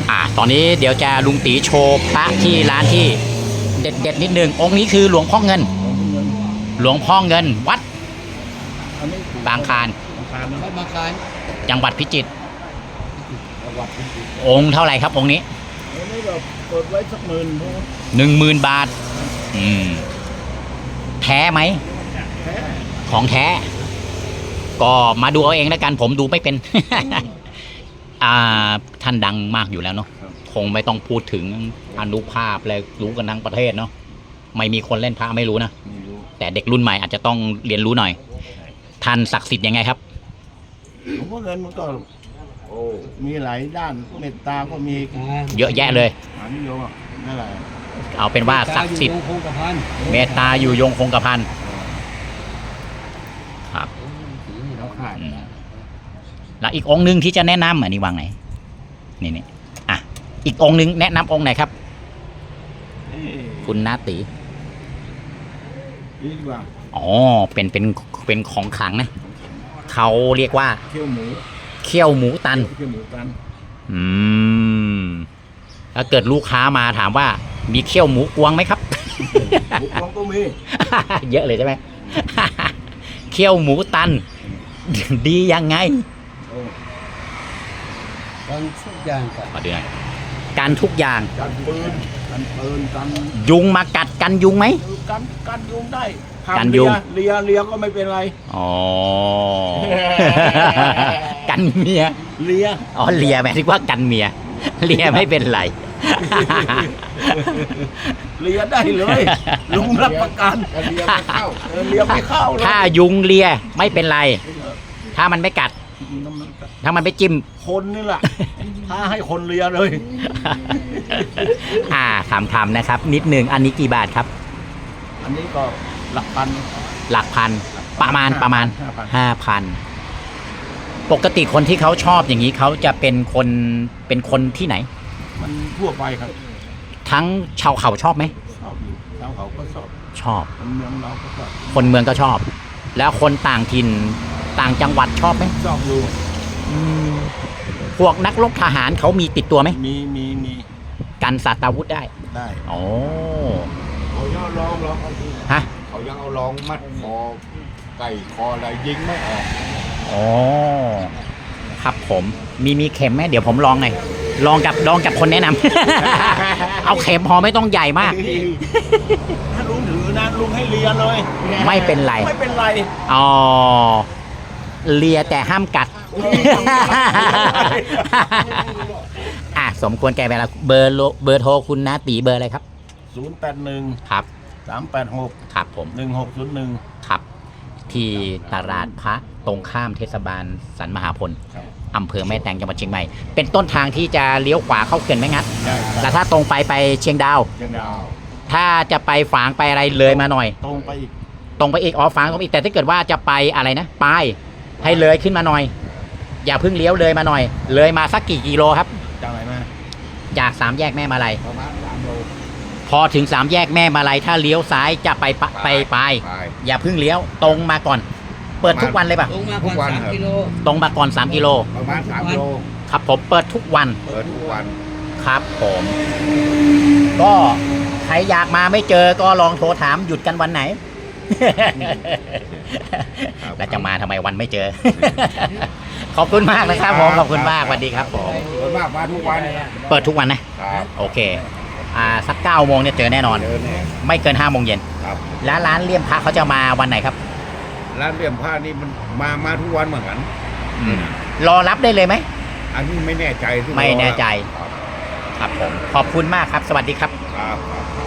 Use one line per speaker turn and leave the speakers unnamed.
ตอนนี้เดี๋ยวจะลุงตีโชว์พระที่ร้านที่เด็ดนิดนึงองค์นี้คือหลวงพ่อเงิน หลวงพ่อเงินวัดบางคลานจังหวัดพิจิตรองค์เท่าไหร่ครับองค์นี้
เปิดไว้สัก
10,000 บาทแท้ไหมของแท้ก็มาดูเอาเองแล้วกันผมดูไม่เป็น ท่านดังมากอยู่แล้วเนาะคงไม่ต้องพูดถึงอนุภาพเลยรู้กันทั้งประเทศเนาะไม่มีคนเล่นพระไม่รู้นะแต่เด็กรุ่นใหม่อาจจะต้องเรียนรู้หน่อยท่านศักดิ์สิทธิ์ยังไงครับ
หลวงพ่อเงินมันก็มีหลายด้านเมตตาก็มี
เยอะแยะเลย
นิยมนั่นแหละ
เอาเป็นว่าศักดิ์สิทธิ์เมตตาอยู่ยงคงกระพันครับแล้วอีกองค์หนึ่งที่จะแนะนำอันนี้วางไหนนี่อีกองค์หนึ่งแนะนำองค์ไหนครับคุณนาตี
ดีกว่า
เป็นของขลังนะเขาเรียกว่า
เขี้ยวห
มูตันถ้าเกิดลูกค้ามาถามว่ามีเขี้ยวหมูกวงไหมครับ
หมูกวงก็มี
เยอะเลยใช่ไหมเขี้ยวหมูตันดียังไง
กันทุกอย่าง
ขอดูหน่อยกันทุกอย่าง
กันปืนกัน
ยุงมากัดกันยุงไหม
กันยุงได้
กันยุง
เลียก็ไม่เป็นไร
กันเมีย
เลี
ยหมายถึงว่ากันเมียเลียไม่เป็นไร
เลียได้เลยลุงรับประกันเลียไม่เข้า
ถ้ายุงเลียไม่เป็นไรถ้ามันไม่กัดถ้ามันไม่จิ้ม
คนนี่แหละถ้าให้คนเลียเลย
ถามนะครับนิดนึงอันนี้กี่บาทครับ
อันนี้ก็หลักพัน
ประมาณ 5,000ปกติคนที่เขาชอบอย่างนี้เขาจะเป็นคนที่ไหน
มันทั่วไปครับ
ทั้งชาวเขาชอบไหม
ชอบชาวเขาก็
ชอบ
คนเมืองเราก็ชอบ
คนเมืองก็ชอบแล้วคนต่างถิ่นต่างจังหวัดชอบไหม
ชอบดู
พวกนักรบทหารเขามีติดตัวไหม
มี
กันสัตว์อาวุธได้โอ้
เขายังเอาลอง
ฮะ
เขายังเอาลองมัดคอไก่คออะไรยิงไม่ออก
ครับผมมีเข็มไหมเดี๋ยวผมลองหน่อยลองกับคนแนะนำ เอาเข็มพอไม่ต้องใหญ่มาก
ถ้าลุงถือนะลุงให้เลียเลย
ไม่เป็นไรเลียแต่ห้ามกัดสมควรแก่เวลาเบอร์โทรคุณนาตีเบอร์อะไรครับ
081
ครับ
386
ครับผม
1601
ครับที่ตลาดพระตรงข้ามเทศบาลสันมหาพลอำเภอแม่แตงจังหวัดเชียงใหม่เป็นต้นทางที่จะเลี้ยวขวาเข้าเขื่อนแม่งัดแล้วถ้าตรงไปเชียงดาวถ้าจะไปฝางไปอะไรเลยมาหน่อย
ตรงไป
อีกฝางตรงอีกแต่ถ้าเกิดว่าจะไปอะไรนะปลายให้เลยขึ้นมาหน่อยอย่าเพิ่งเลี้ยวเลยมาหน่อยเลยมาสักกี่กิโลครับ
จากไหนมา
จาก3 แยกแม่มาลัย
ประมาณ3 โล
พอถึง3 แยกแม่มาลัยถ้าเลี้ยวซ้ายจะไปอย่าเพิ่งเลี้ยวตรงมาก่อนเปิดทุกวันเลยป่ะ
ตรงมาก่อน3 กิโล
ตรงมาก่อน3 กิโล
ประมาณ3 โล
ครับผมเปิดทุกวันครับผมก็ใครอยากมาไม่เจอก็ลองโทรถามหยุดกันวันไหนแล้วจะมาทำไมวันไม่เจอ ขอบคุณมากนะครับผมขอบคุณมากสวัสดีครับผม
มาทุกวัน
เปิดทุกวันนะโอเคสัก9 โมงเนี่ยเจอแน่นอนไม่เกิน5 โมงเย็นแล้วร้านเลี่ยมพระเขาจะมาวันไหนครับ
ร้านเลี่ยมพระนี่มันมาทุกวันเหมือนกัน
รอรับได้เลยไหม
อันนี้ไม่แน่ใจ
ครับผมขอบคุณมากครับสวัสดีครับ